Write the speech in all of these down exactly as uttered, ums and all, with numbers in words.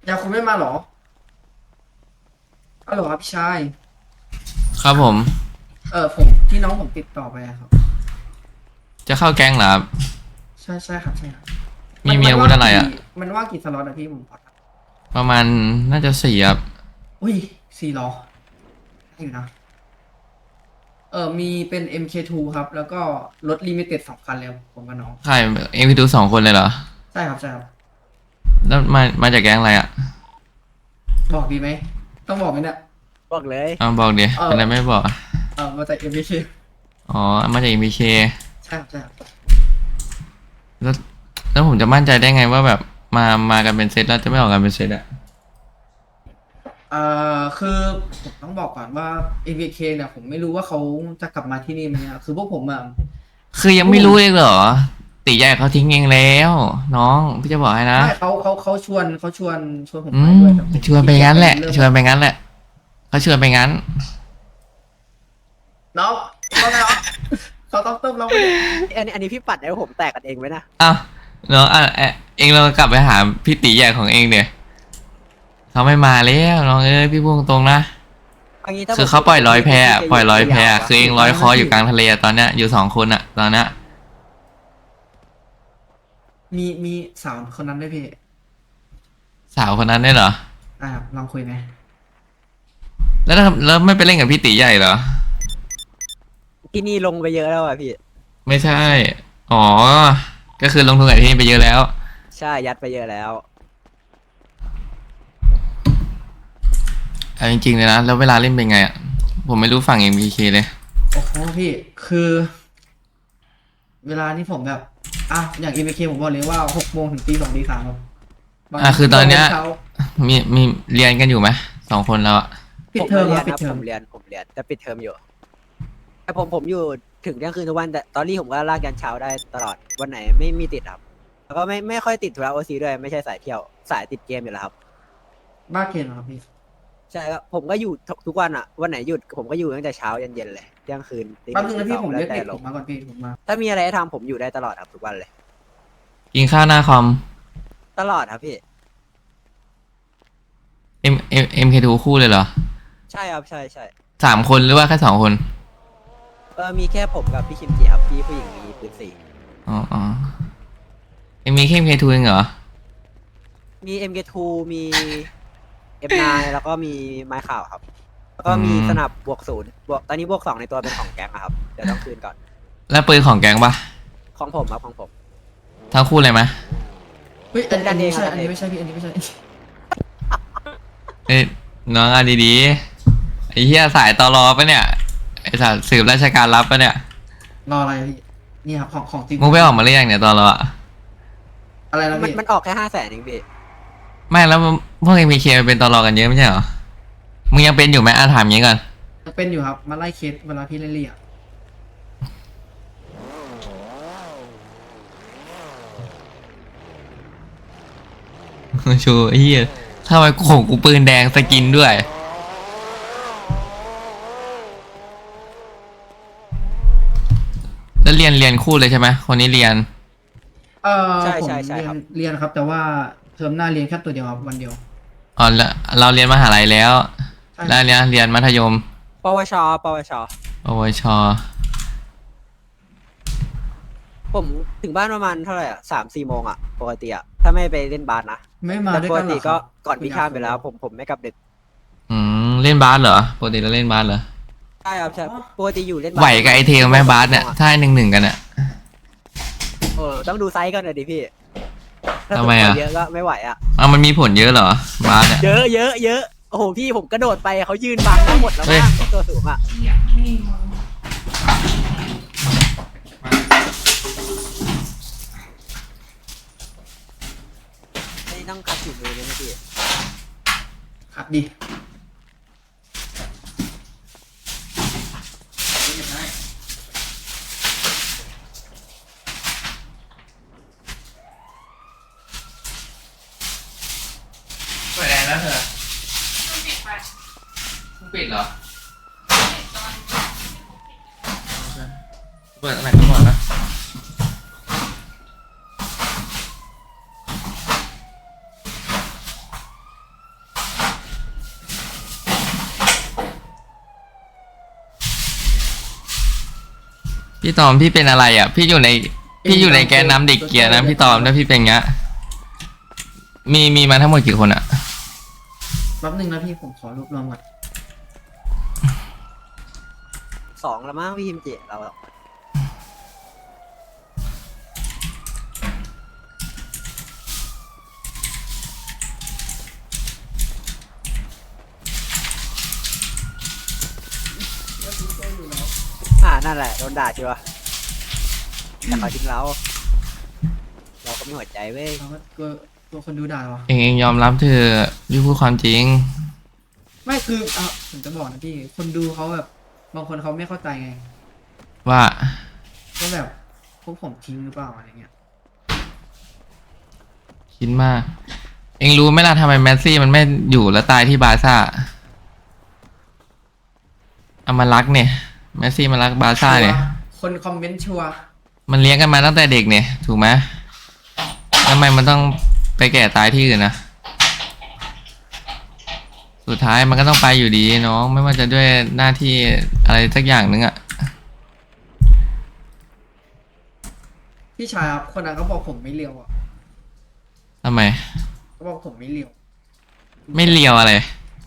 ยาคุณไม่มาเหรออ๋อเหรอครับพี่ชายครับผมเออผมที่น้องผมติดต่อไปอะครับจะเข้าแก๊งเหรอครับใช่ใช่ครับใช่ครับมัมีนมันมีอาวุธอะไรว่างกี่อ่ะมันว่างกี่สล็อตอะพี่ผมขอถามประมาณน่าจะสี่ครับอุ้ยสี่เหรอได้อยู่นะเออมีเป็น เอ็ม เค ทู ครับแล้วก็รถลิมิเต็ดสองคันเลยครับผมกับน้องใครเอ็งไปดูสองคนเลยเหรอใช่ครับใช่ครับแล้วมามาจากแก๊งอะไรอ่ะบอกดีไหมต้องบอกไหมเนี่ยบอกเลยเอาบอกดิเอออะไรไม่บอกอะเออมาจาก เอ็ม เคอ๋อมาจากเอ็มบีเคใช่ครับใช่ครับแล้วแล้วผมจะมั่นใจได้ไงว่าแบบมามากันเป็นเซตแล้วจะไม่ออกกันเป็นเซตอ่ะเอ่อคือผมต้องบอกก่อนว่า เอ็ม เค เคเนี่ยผมไม่รู้ว่าเขาจะกลับมาที่นี่ไหมอะคือพวกผมอะคือยังไม่พวกผมรู้เองเหรอตีใหญ่เขาทิ้งเองแล้วน้องพี่จะบอกให้นะไม่เขาเขาเขาชวนเขาชวนชวนผมอืไปมด้วยแต่ผมชวนไปขี้เกียจงั้นแหละเริ่มชวนไปงั้นแหละเขาชวนไปงั้นน้องเขาไงน้องเขาต้องเติมเราไปเนี่ยอันนี้อันนี้พี่ปัดให้ผมแตกกันเองไหมนะอ้าวเนาะอ่ะเอ๊ะเองเรากลับไปหาพี่ตีใหญ่ของเองเนี่ยเขาไม่มาแล้วน้องเอ้ยพี่พูดตรงๆนะอันนี้ถ้าคือเขาปล่อยลอยแพอะปล่อยลอยแพอะคือเองลอยคออยู่กลางทะเลอะตอนเนี้ยอยู่สองคนอะตอนเนี้ยมีมีสาวคนนั้นด้วยพี่สาวคนนั้นได้เหรออ่าลองคุยไหมแล้วถ้าแล้วไม่ไปเล่นกับพี่ตีใหญ่เหรอที่นี่ลงไปเยอะแล้วอ่ะพี่ไม่ใช่อ๋อก็คือลงทุนกับที่นี่ไปเยอะแล้วใช่ยัดไปเยอะแล้วเอาจริงๆเลยนะแล้วเวลาเล่นเป็นไงอะผมไม่รู้ฝั่ง เอ็ม พี เค เลยโอ้โหพี่คือ เวลาที่ผมแบบอ่ะอย่าง เอ็ม เค ผมบอกเลยว่าหกโมงถึงตีสองตีสามครับบางอ่ะคือตอนเนี้ยเช้ามีมีเรียนกันอยู่ไหมสองคนแล้วอะปิดผมเทอมคเรียนครับรับปิดเทอมผมเรียนผมเรียนแต่ปิดเทอมอยู่แต่ผมผมอยู่ถึงเที่ยงคืนทุกวันแต่ตอนนี้ผมก็ลากยันเช้าได้ตลอดวันไหนไม่มีติดครับแล้วก็ไม่ไม่ค่อยติดธุระโอซีด้วยไม่ใช่สายเที่ยวสายติดเกมอยู่แล้วครับบ้าเกมเหรอครับพี่ใช่ครับผมก็อยู่ทุกทุกวันอ่ะวันไหนหยุดผมก็อยู่ตั้งแต่เช้ายันเย็นเลยเที่ยงคืนตีหแป๊บนึ่งตีสองนึงนะพี่ผมแล้วแต่ลงเรียกเด็กผมมาก่อนพี่ผมมาถ้ามีอะไรให้ทำผมอยู่ได้ตลอดครับทุกวันเลยกินข้าวหน้าคอมตลอดครับพี่เอ็มเอ็มเอ็มเคทูคู่เลยเหรอใช่ครับใช่ใช่สามคนหรือว่าแค่สองคนเออมีแค่ผมกับพี่คิมจิครับพี่ผู้หญิงมีปืนสี่อ๋ออ๋อเอ็มมีแค่เอ็มเคทูเองเหรอมี เอ็ม เค ทู มี เอฟ ไนน์ แล้วก็มีไม้ข่าวครับแล้วก็มีสนับบวกศูนย์บวกตอนนี้บวกสองในตัวเป็นของแก๊งอะครับเดี๋ยวต้องคืนก่อนแล้วปืนของแก๊งปะของผมครับของผมทั้งคู่เลยไหมเฮ้ยอันกัอันนเอนี้งไม่ใช่ครับอันนี้ไม่ใช่พี่อันนี้ไม่ใช่เอ้ยน้องอ่ะดีๆไอ้เหี้ยสายตอรอปะเนี่ยไอ้สายสืบราชการลับปะเนี่ยรออะไรพี่นี่ครับของของจริงมึงไปออกมาเรียงเนี่ยตอรออะอะไรนะมันพี่มันออกแค่ห้าแสนเองพี่ไม่แล้วพวกเอ็มพีเคเป็นตอรอกันเยอะไม่ใช่เหรอมึงยังเป็นอยู่ไหมอาถามงี้ก่อนยังเป็นอยู่ครับมาไล่เคสเวลาพี่เล่นเรียกชูไอ้เหี้ยทำไมกูของกูปืนแดงสกินด้วยแล้วเรียนเรียนคู่เลยใช่ไหมคนนี้เรียนเออใช่ผมใช่ใช่เรียนครับเรียนครับแต่ว่าเทอมหน้าเรียนแค่ตัวเดียวครับวันเดียวอ๋อแล้วเราเรียนมหาลัยแล้วใช่แล้วเนี้ยเรียนมัธยมปวชปวชปวชผมถึงบ้านประมาณเท่าไหร่อ่ะสามสี่โมงอ่ะปกติอ่ะถ้าไม่ไปเล่นบาสนะไม่มาแต่ด้วยปกติก็กันเหรอครับก่อนคุณพี่อยากรู้ข้ามไปแล้วผมผมไม่กลับดึกอืมเล่นบาสเหรอปกติเราเล่นบาสเหรอใช่ครับใช่ปกติอยู่เล่นบาสไหวกับไอเทลไหมบาสเนี่ยถ้าหนึ่งหนึ่งกันอะเออต้องดูไซส์กันหน่อยดิพี่ถ้าทำไมอะตัวเยอะก็ไม่ไหวอ่ะอ่ะมันมีผลเยอะเหรอบาสเนี่ยเยอะเยอะเยอะโอ้โหพี่ผมกระโดดไปเขายืนบังทั้งหมดแล้วเฮ้ยว่าตัวสูงอ่ะไม่ต้องคัดฝีมือเลยนะพี่ครับดีเปิดแอร์แล้วเธอปิดเหรอเปิดอะไรก็บอกนะพี่ตอมพี่เป็นอะไรอ่ะ พี่อยู่ในพี่อยู่ในแกนนำเด็กเกียร์นะพี่ตอมถ้าพี่เป็นเงี้ยมีมีมาทั้งหมดกี่คนอ่ะแป๊บหนึ่งนะพี่ผมขอรวบรวมก่อนสองละมั้งพี่ฮิมจิเราอะ อ่านั่นแหละโดนด่าชัวร์แต่เขาทิ้งเรา เราก็มีหัวใจเว้ยเราก็กลัวกลัวคนดูด่าวะเองเองยอมรับเธอะพี่พูดความจริงไม่คืออ่ะผมจะบอกนะพี่คนดูเขาแบบบางคนเขาไม่เข้าใจไงว่าว่าแบบพวกผมทิ้งหรือเปล่าอะไรเงี้ยคิดมาก เองรู้ไหมล่ะทำไมแมสซี่มันไม่อยู่แล้วตายที่บาร์ซ่าเอามารักเนี่ยแมสซี่มันรักบาร์ซ่าเนี่ยคนคอมเมนต์ชัวร์มันเลี้ยงกันมาตั้งแต่เด็กเนี่ยถูกไหมทำไมมันต้องไปแก่ตายที่อื่นนะสุดท้ายมันก็ต้องไปอยู่ดีน้องไม่ว่าจะด้วยหน้าที่อะไรสักอย่างหนึ่งอะพี่ชายครับคนนั้นเขาบอกผมไม่เลียวอ่ะทำไมเขาบอกผมไม่เลียวไม่เลียวอะไร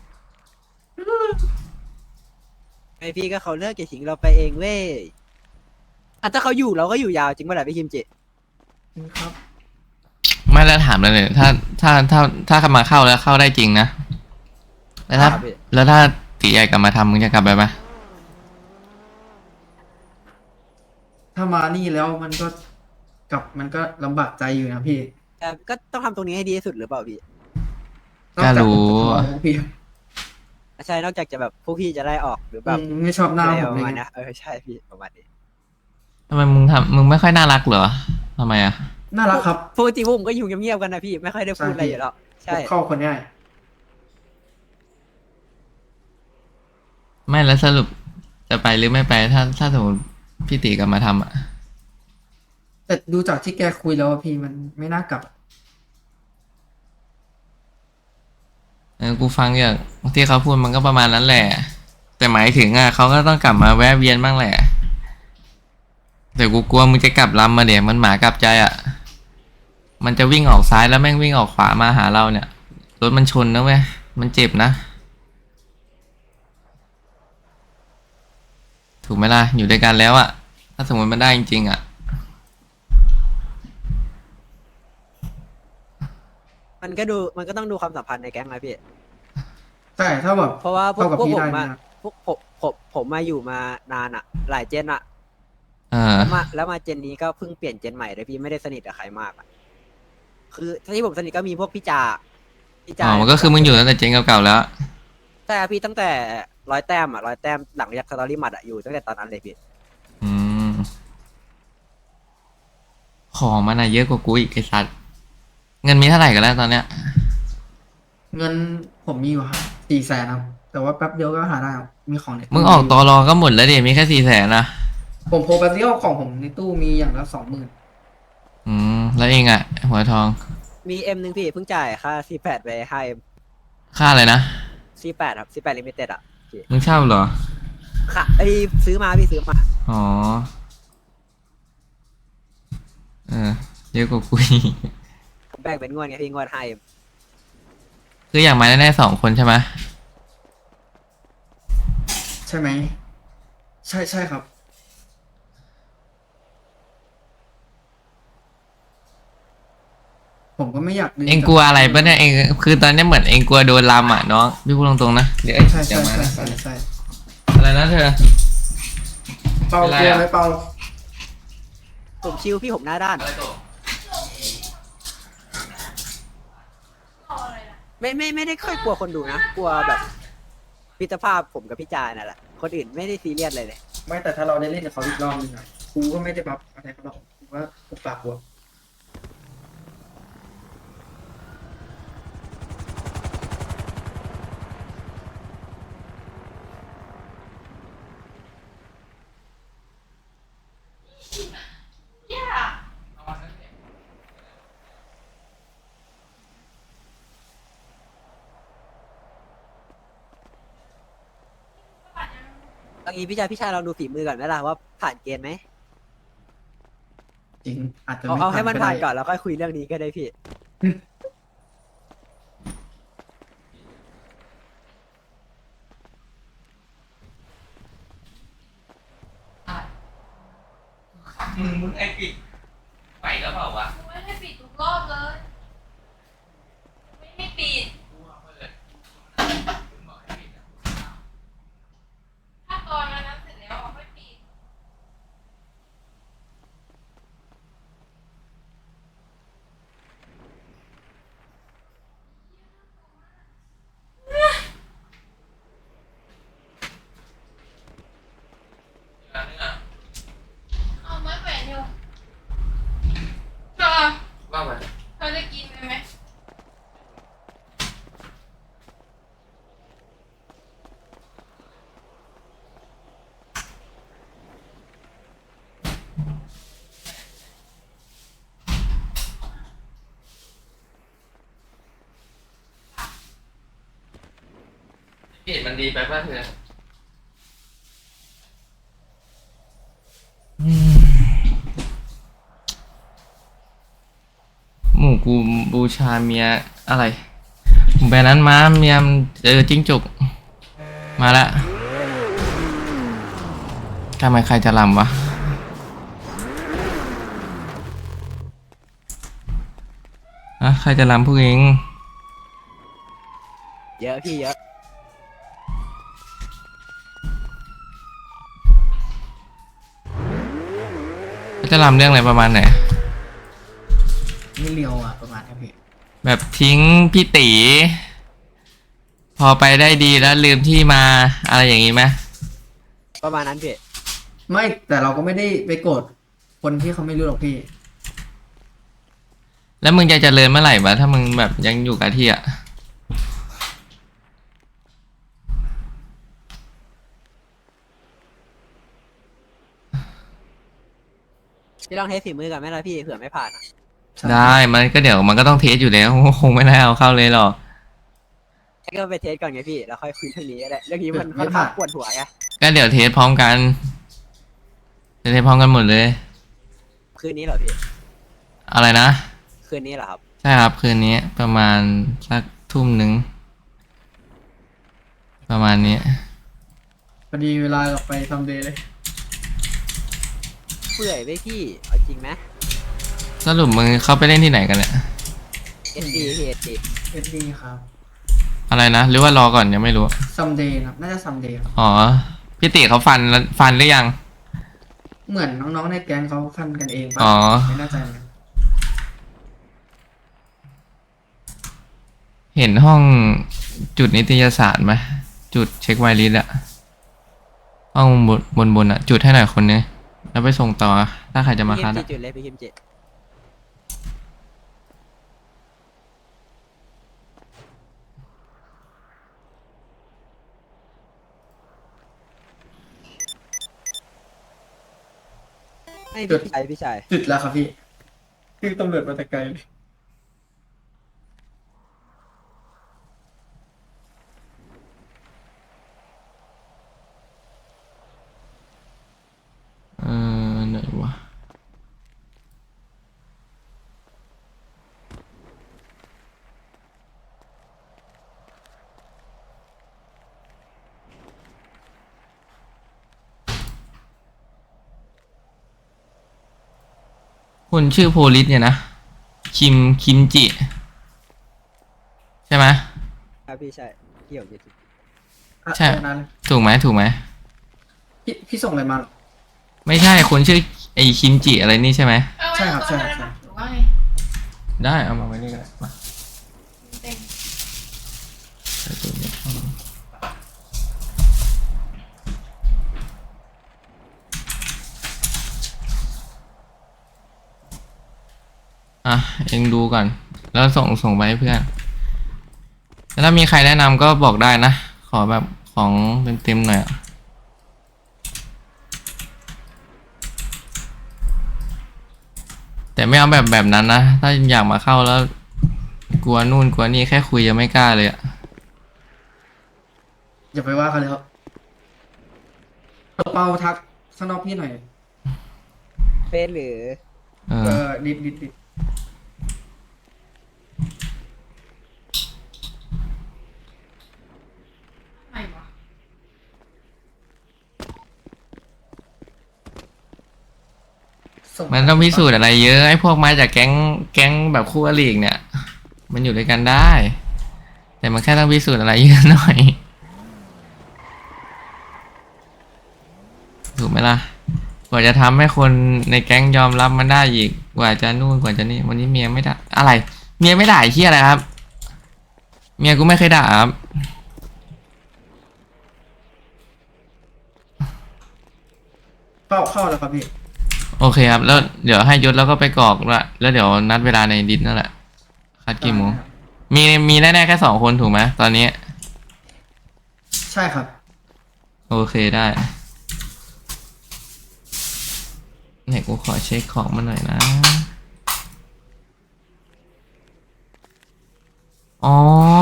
ไอพี่ก็เขาเลือกจะทิ้งเราไปเองเว้ยอ่ะถ้าเขาอยู่เราก็อยู่ยาวจริงป่ะล่ะพี่ฮิมจิครับไม่แล้วถามเลยถ้าถ้าถ้าถ้าเข้ามาเข้าแล้วเข้าได้จริงนะแล้วถ้าครับพี่แล้วถ้าตีใหญ่กลับมาทำมึงจะกลับไปไหมถ้ามานี่แล้วมันก็กลับมันก็ลำบากใจอยู่นะพี่แต่ก็ต้องทำตรงนี้ให้ดีที่สุดหรือเปล่าพี่นอกจากผมจะทะเลาะกับพวกพี่ใช่นอกจากจะแบบพวกพี่จะได้ออกหรือแบบอืมไม่ชอบหน้าอะไรผมปเลระมาณยนะเออใช่พี่ประมาณนี้ทำไมมึงทำมึงไม่ค่อยน่ารักเหรอทำไมอะน่ารักครับปกติพวกผมก็อยู่เงียบๆกันนะพี่ไม่ค่อยได้พูดอะไรอยู่แล้วใช่เข้าคนง่ายไม่แล้วสรุปจะไปหรือไม่ไปถ้าถ้าสมมติพี่ตีกลับมาทำอะแต่ดูจากที่แกคุยแล้วอะพี่มันไม่น่ากลับเออกูฟังอย่างที่เขาพูดมันก็ประมาณนั้นแหละ แต่หมายถึงอะเขาก็ต้องกลับมาแวะเวียนบ้างแหละ แต่กูกลัวมึงจะกลับลำมาเดี๋ยวมันหมากลับใจอะมันจะวิ่งออกซ้ายแล้วแม่งวิ่งออกขวามาหาเราเนี่ยรถมันชนนะเว้ยมันเจ็บนะ ถูกไหมล่ะอยู่ด้วยกันแล้วอะถ้าสมมติมันได้จริงๆอะมันก็ดูมันก็ต้องดูความสัมพันธ์ในแก๊งนะพี่ใช่ถ้าแบบเพราะว่าพวกเท่ากับพวกพี่ผได้มอะนะพวกผมผมผมมาอยู่มานานอะหลายเจนอะเออแล้วมาแล้วมาเจนนี้ก็เพิ่งเปลี่ยนเจนใหม่เลยพี่ไม่ได้สนิทกับใครมากอะคือที่ผมสนิทก็มีพวกพี่จาพี่จาอ๋อมันก็คือมึงอยู่ตั้งแต่เจ๊งเก่าๆแล้วใช่ครับพี่ตั้งแต่ร้อยแต้มอะร้อยแต้มหลังจากสตอรี่หมัดอะอยู่ตั้งแต่ตอนนั้นเลยพี่อืมของมันอะเยอะกว่ากูอีกไอ้สัตว์เงินมีเท่าไหร่กันแล้วตอนเนี้ยเงินผมมีอยู่ครับสี่แสนครับ แต่ว่าแป๊บเดียวก็หาได้ครับมีของในตู้มึงออกตอรอก็หมดแล้วเดี๋ยวมีแค่สี่แสนนะผมโพสต์แป๊บเดียวของผมในตู้มีอย่างละสองหมื่นอืมแล้วเองอะหัวทองมีเอ็มหนึ่งพี่เพิ่งจ่ายค่าซีแปดไปห้าเอ็มค่าอะไรนะซีแปดครับซีแปดลิมิเต็ดอะพี่มึงเช่าเหรอค่ะไอยซื้อมาพี่ซื้อมาอ๋อเออเยอะกว่ากูอีกแบ่งเป็นงวดไงพี่งวดห้าเอ็มคืออยากมาแน่ๆสองคนใช่ไหมใช่ไหม ใช่ใช่ครับ ผมก็ไม่อยากดึเองกลัวอะไรปะเนี่ยเองคือตอนนี้เหมือนเองกลัวโดนลำอ่ะน้องพี่พูดตรงๆนะเดี๋ยวเอ้ยใช่อย่าใช่มาใช่นะใช่ใช่อะไรนะเธอเปาเป็นไรกลัวอะไหมเปาผมชิลพี่ผมหน้าด้าน ไม่ไม่ไม่ได้ค่อยกลัวคนดูนะ กลัวแบบพิจภาพผมกับพี่จานั่นแหละ คนอื่นไม่ได้ซีเรียสเลยเลยไม่แต่ถ้าเราได้เล่นกับเขาอีกรอบนึงอ่ะกูก็ไม่ได้บัฟอะไรเขาหรอกกูว่ากูปากบวกตอนนี้พี่ชายพี่ชายเราดูฝีมือก่อนไหมล่ะว่าผ่านเกณฑ์ไหมจริงอาจจะเอาไม่เอาให้มันก็ผ่านได้ก่อนแล้วค่อยคุยเรื่องนี้ก็ได้พี่มึงมึงไอ้ปิดไปแล้วเปล่าวะไม่ได้ปิดทุกรอบเลย ไม่ให้ปิด ถ้าตอนนั้นเสร็จแล้วเอาไม่ปิด เอาไม้แขวนอยู่เธอว่ามาเธอจะกินไหมปิดมันดีไปป่ะเธอหมู่กูบูชาเมียอะไรแบบนั้นมาเมียมนเจอจิ้งจุก มาละทำไมใครจะลำวะอะใครจะลำพวกเองเยอะพี่เยอะจะลำเรื่องอะไรประมาณไหนไม่เลียวอ่ะประมาณนี้พี่แบบทิ้งพี่ตี พอไปได้ดีแล้วลืมที่มาอะไรอย่างนี้ไหมประมาณนั้นพี่ไม่แต่เราก็ไม่ได้ไปโกรธคนที่เขาไม่รู้หรอกพี่แล้วมึงจะเจริญเมื่อไหร่วะถ้ามึงแบบยังอยู่กับที่อ่ะพี่ลองเทสฝีมือกันไหมล่ะพี่เผื่อไม่ผ่านอะได้มันก็เดี๋ยวมันก็ต้องเทสอยู่แล้ว คงไม่ได้เอาเข้าเลยหรอกให้ก็ไปเทสก่อนไงพี่แล้วค่อยคุยเรื่องนี้ก็ได้เรื่องนี้มันค่อนข้างปวดหัวไงก็เดี๋ยวเทสพร้อมกันเดี๋ยวเทสพร้อมกันหมดเลยคืนนี้เหรอพี่อะไรนะคืนนี้เหรอครับใช่ครับคืนนี้ประมาณสักทุ่มหนึ่งประมาณนี้พอดีเวลากลับไปทำเดย์เลยเปื่อยไปพี่เอาจริงไหมสรุปมึงเข้าไปเล่นที่ไหนกันเนี่ยเอ็นดีพี่เอ็นดีเอสดีครับอะไรนะหรือว่ารอก่อนยังไม่รู้ซัมเดย์ครับน่าจะซัมเดย์ครับอ๋อพี่ติเขาฟันแล้วฟันหรือยังเหมือนน้องๆในแก๊งเขาฟันกันเองปะอ๋อไม่แน่ใจเหมือนกันเห็นห้องจุดนิตยสารไหมจุดเช็คไวลิสอะห้องบนบนบนอะจุดให้หน่อยคนนึงแล้วไปส่งต่อถ้าใครจะมาพี่คิคัมดจิอะจุดเลยพี่คิมจิให้พี่ชายพี่ชายจุดแล้วครับพี่คือตำรวจมาแต่ไกลเลยเออไหนวะคนชื่อโพลิสเนี่ยนะคิมคิมจิใช่ไหมครับพี่ชายพี่ผมจะคิดอ่ะใช่ตรงนั้นถูกไหมถูกไหมพี่พี่ส่งอะไรมาเหรอไม่ใช่คนชื่อไอคิมจิอะไรนี่ใช่ไหมเอาไว้ใช่ครับตอนใช่นั้นใช่หรือว่าไงได้เอามาไว้นี่ก็ได้มาเต็มใส่ตัวนี้เข้ามาอ่ะเองดูก่อน แล้วส่งส่งไปให้เพื่อนแล้วถ้ามีใครแนะนำก็บอกได้นะ ขอแบบของเต็มๆหน่อยอะแต่ไม่เอาแบบแบบนั้นนะ ถ้าอยากมาเข้าแล้ว กลัวนู่นกลัวนี่แค่คุยยังไม่กล้าเลยอะอย่าไปว่าเขาเลยครับเปาทักข้างนอกพี่หน่อยเฟซหรือเอเอออดิดดิดดิดไหนวะส่มันต้องพิสูจน์อะไรเยอะไอ้พวกมาจากแก๊งแก๊งแบบคู่อริเนี่ย มันอยู่ด้วยกันได้ แต่มันแค่ต้องพิสูจน์อะไรเยอะหน่อย ถูกไหมล่ะ กว่าจะทำให้คนในแก๊งยอมรับมันได้อีก กว่าจะนู่นกว่าจะนี่วันนี้เมียไม่ด่าอะไร เมียไม่ด่าไอ้เหี้ยอะไรครับ เมียกูไม่เคยด่าครับเข้าเข้าแล้วครับพี่โอเคครับ แล้วเดี๋ยวให้ยศแล้วก็ไปกรอกละแล้วเดี๋ยวนัดเวลาในดิสนั่นแหละ คัดกี่โมง มีมีแน่ๆแค่สองคนถูกไหมตอนนี้ใช่ครับโอเคได้ไหนกูขอเช็คของมาหน่อยนะ อ๋อ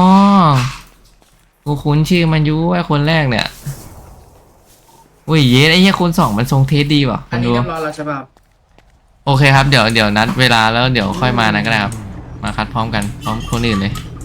กูคุ้นชื่อมันอยูไอ้คนแรกเนี่ย อุ้ยเย้ไอ้เหี้ยคนสองมันทรงเทสดีว่ะคอันนนี้ดูเรียบร้อยแล้วใช่ป่ะครับโอเคครับ เดี๋ยวเดี๋ยวนัดเวลาแล้วเดี๋ยวค่อยมานะก็ได้ครับ มาคัดพร้อมกันพร้อมคนอื่นเลยโ